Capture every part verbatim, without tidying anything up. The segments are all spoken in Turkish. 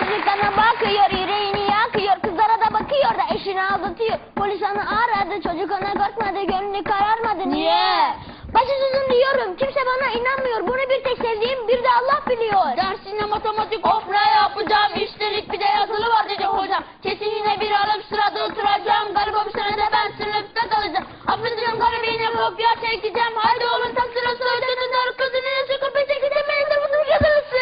Çocuklarına bakıyor, yüreğini yakıyor, kızlara da bakıyor da eşini aldatıyor. Polis onu aradı, çocuk ona korkmadı, gönlü kararmadı. Niye? Başsızım diyorum, kimse bana inanmıyor. Bunu bir tek sevdiğim, bir de Allah biliyor. Dersine matematik of ne yapacağım? Üstelik bir de yazılı var dedi hocam. Kesin yine bir alıp sırada oturacağım. Galiba bu sene de ben sınıfta kalacağım. Affedeceğim garibine kopya çekeceğim. Haydi oğlum tam sırası ödedim. Doğru kızını nasıl kopya çekeceğim? Benim de bunun yazılısı.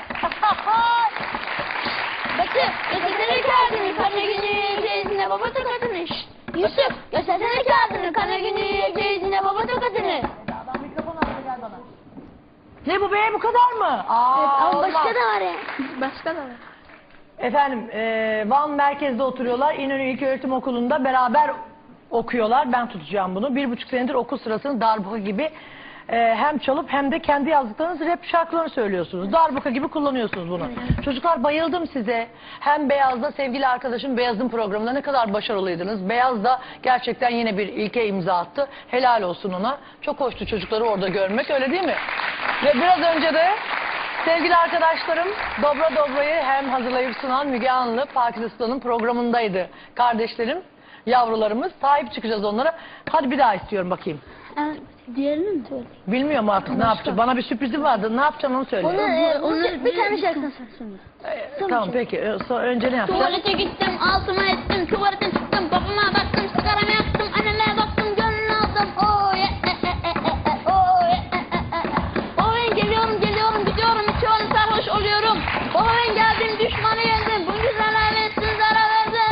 Batı, göstersene kağıdını, kana günü, teyzine baba tokadını. Şşt, Yusuf, göstersene kağıdını, kana günü, teyzine baba tokadını. Ne bu be, bu kadar mı? Aa, Evet, ama olmaz. başka da var ya. Başka da var. Efendim, e, Van merkezde oturuyorlar. İnönü İlköğretim Okulu'nda beraber okuyorlar. Ben tutacağım bunu. Bir buçuk senedir okul sırasını darbuka gibi e, hem çalıp hem de kendi yazdıklarınız rap şarkılarını söylüyorsunuz. Darbuka gibi kullanıyorsunuz bunu. Evet. Çocuklar, bayıldım size. Hem Beyaz'da sevgili arkadaşım Beyaz'ın programında ne kadar başarılıydınız. Beyaz da gerçekten yine bir ilke imza attı. Helal olsun ona. Çok hoştu çocukları orada görmek, öyle değil mi? Ve biraz önce de sevgili arkadaşlarım Dobra Dobra'yı hem hazırlayıp sunan Müge Anlı, Pakistan'ın programındaydı. Kardeşlerim, yavrularımız. Sahip çıkacağız onlara. Hadi bir daha istiyorum bakayım. Evet, diğerini mi söyle? Bilmiyorum artık ne yapacağım. Bana bir sürprizim vardı. Ne yapacağım onu söyle. Onu, e, onu bir, bir tane şarkısını söyle. Ee, tamam peki. Ee, so- önce ne yapacağım? Tuvalete gittim, altıma ettim, tuvaletten çıktım, babama baktım, sigaramı yaktım, anneme baktım, gönlünü aldım. Oh yeah, eh, eh, eh, eh, eh, oh yeah, eh, eh, eh, eh. Baba ben geliyorum, geliyorum, gidiyorum, içiyorum, sarhoş oluyorum. Baba ben geldim, düşmanı yendim, bu güzel aletsin zarar verdi.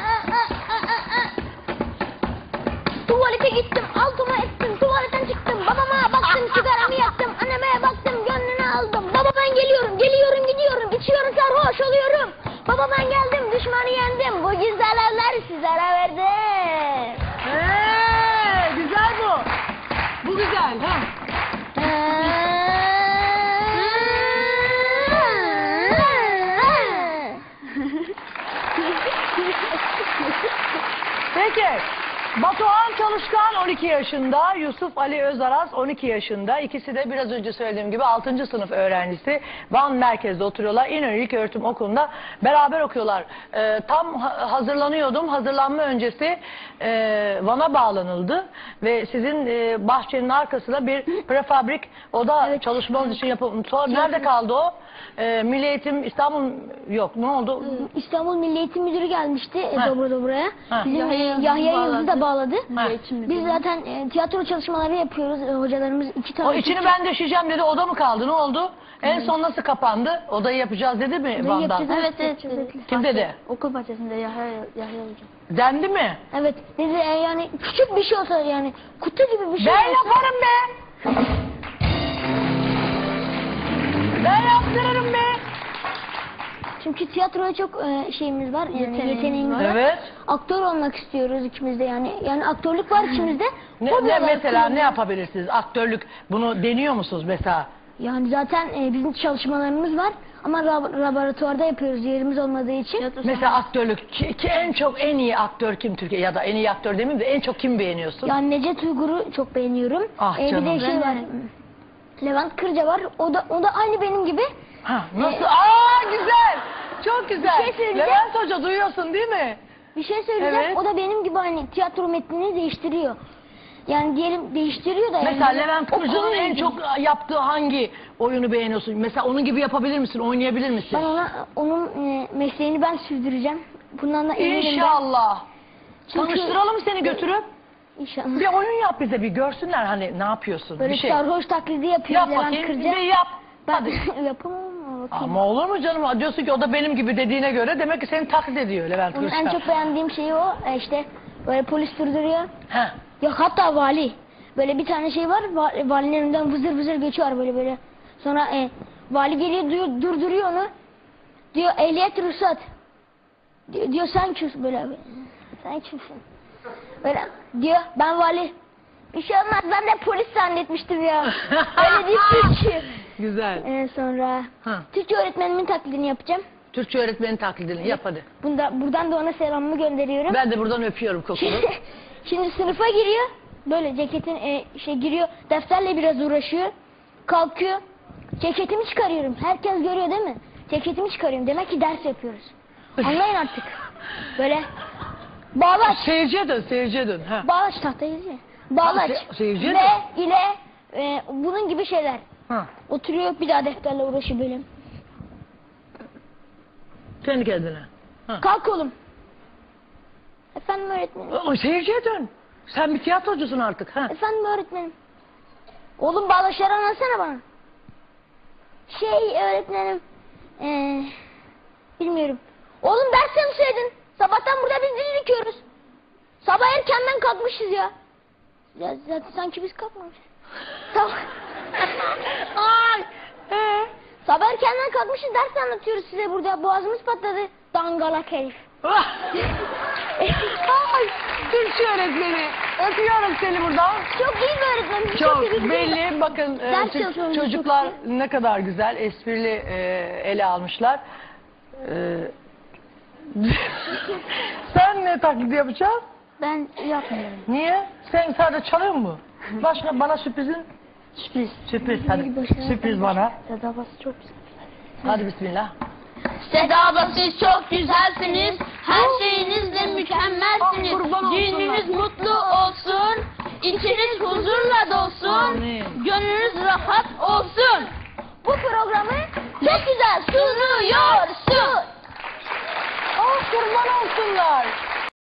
Tuvalete gittim, altıma ettim, tuvaletten çıktım, babama baktım, sigaramı yaktım, anneme baktım, gönlünü aldım. Baba ben geliyorum, geliyorum, gidiyorum, içiyorum, sarhoş oluyorum. Baba ben geldim, düşmanı yendim, bu güzel eller sizlere verdim. Ee, güzel bu. Bu güzel. Ha. Peki. Batuhan Çalışkan on iki yaşında, Yusuf Ali Özaras on iki yaşında. İkisi de biraz önce söylediğim gibi altıncı sınıf öğrencisi. Van merkezde oturuyorlar. İnönü İlköğretim Okulu'nda beraber okuyorlar. Ee, tam ha hazırlanıyordum. Hazırlanma öncesi e, Van'a bağlanıldı. Ve sizin e, bahçenin arkasında bir prefabrik oda evet. çalışmanız için yapılmış. Sonra nerede kaldı o? E, Milli Eğitim İstanbul yok. Ne oldu? İstanbul Milli Eğitim Müdürü gelmişti e, Dobra Dobra'ya. Bizim Yahya, Yahya Yıldız'ı da bağladı. Ha. Biz zaten e, tiyatro çalışmaları yapıyoruz. E, hocalarımız iki tane. O içini ben döşeyeceğim dedi. Oda mı kaldı? Ne oldu? En son nasıl kapandı? Odayı yapacağız dedi mi Odayı Van'dan? yapacağız, Evet, evet. evet. Kim dedi? Okul bahçesinde Yahya, Yahya hocam. Dendi mi? Evet. Dedi e, yani küçük bir şey olsa yani kutu gibi bir şey Ben olsa. yaparım be. Ben yaptırırım be. Çünkü tiyatroya çok e, şeyimiz var. Yani Yeteneğimiz yeteneğimiz var. var. Evet. Aktör olmak istiyoruz ikimiz de yani. Yani aktörlük var içimizde. Ne, Hobi ne olarak mesela kullanıyoruz. ne yapabilirsiniz? Aktörlük bunu deniyor musunuz mesela? Yani zaten e, bizim çalışmalarımız var. Ama lab laboratuvarda yapıyoruz yerimiz olmadığı için. Mesela aktörlük ki, ki en çok en iyi aktör kim Türkiye ya da en iyi aktör demeyeyim de en çok kim beğeniyorsun? Yani Necdet Uygur'u çok beğeniyorum. Ah E, bir canım. de şey var. Levent Kırca var. O da o da aynı benim gibi. Ha, nasıl? Aa güzel. Çok güzel. Bir şey söyleyeceğim. Levent Hoca duyuyorsun değil mi? Bir şey söyleyeceğim. Evet. O da benim gibi hani tiyatro metnini değiştiriyor. Yani diyelim değiştiriyor da yani. Mesela Levent Kırca'nın Okul en ilgili. çok yaptığı hangi oyunu beğeniyorsun? Mesela onun gibi yapabilir misin? Oynayabilir misin? Ben ona onun e, mesleğini ben sürdüreceğim. Bundan da eminim ben. İnşallah. Çünkü- Tanıştıralım seni götürüp. İnşallah. Bir oyun yap bize, bir görsünler hani ne yapıyorsun. Böyle bir şey. sarhoş taklidi yapıyor Yap Levent bakayım. Kırca. Bir yap. Ben Hadi. yapamam ama bakayım. Ama olur mu canım? Diyorsun ki o da benim gibi dediğine göre demek ki seni taklit ediyor Levent Onun Kırca. en çok beğendiğim şeyi o. E, işte böyle polis durduruyor. Heh. Yok hatta vali. Böyle bir tane şey var. Va valinin önünden vızır vızır geçiyor böyle böyle. Sonra e, vali geliyor diyor, durduruyor onu. Diyor ehliyet ruhsat. Diyor, diyor sen kimsin böyle. Sen kimsin? Böyle diyor ben vali. Bir şey olmaz ben de polis zannetmiştim ya. Öyle deyip Türkçe. Güzel. Ee, sonra Ha. Türkçe öğretmenimin taklidini yapacağım. Türkçe öğretmenin taklidini yap hadi. Bunda, buradan da ona selamımı gönderiyorum. Ben de buradan öpüyorum kokunu. Şimdi sınıfa giriyor. Böyle ceketin e, şey giriyor. Defterle biraz uğraşıyor. Kalkıyor. Ceketimi çıkarıyorum. Herkes görüyor değil mi? ceketimi çıkarıyorum. Demek ki ders yapıyoruz. Anlayın artık. Böyle bağlaç. Seyirciye dön, seyirciye dön. Ha. Bağlaç tahtayız ya. Bağlaç. Ha, se- seyirciye Ve dön. ile e, bunun gibi şeyler. Ha. Oturuyor bir daha defterle uğraşıyor böyle. Kendi kendine. Ha. Kalk oğlum. Efendim öğretmenim. O, seyirciye dön. Sen bir tiyatrocusun artık. Ha. Efendim öğretmenim. Oğlum bağlaçları anlatsana bana. Şey öğretmenim. Ee, bilmiyorum. Oğlum ders çalışsaydın. Sabahtan burada biz dizi dikiyoruz. Sabah erkenden kalkmışız ya. Ya zaten sanki biz kalkmamışız. Sabah. Ay. Ee? Sabah erkenden kalkmışız ders anlatıyoruz size burada. Boğazımız patladı. Dangalak herif. Ay. Türkçe öğretmeni. Öpüyorum seni buradan. Çok iyi bir öğretmenim. Çok iyi bir- belli. Bakın e, Ders ço- çalışıyoruz, çocuklar çok ne kadar güzel, esprili e, ele almışlar. E, sen ne taklidi yapacaksın? Ben yapmıyorum. Niye? Sen sadece çalıyor mu? Başka bana sürprizin? Sürpriz. Sürpriz hadi. Bir başına- Sürpriz bana. Sedabası çok güzel. Hadi bismillah. Seda abla siz çok güzelsiniz. Her şeyinizle mükemmelsiniz. Ah, kurban olsunlar. Gününüz mutlu olsun. İçiniz huzurla dolsun. Amin. Gönlünüz rahat olsun. Bu programı Çok güzel sunuyorsun. Oh kurban olsunlar.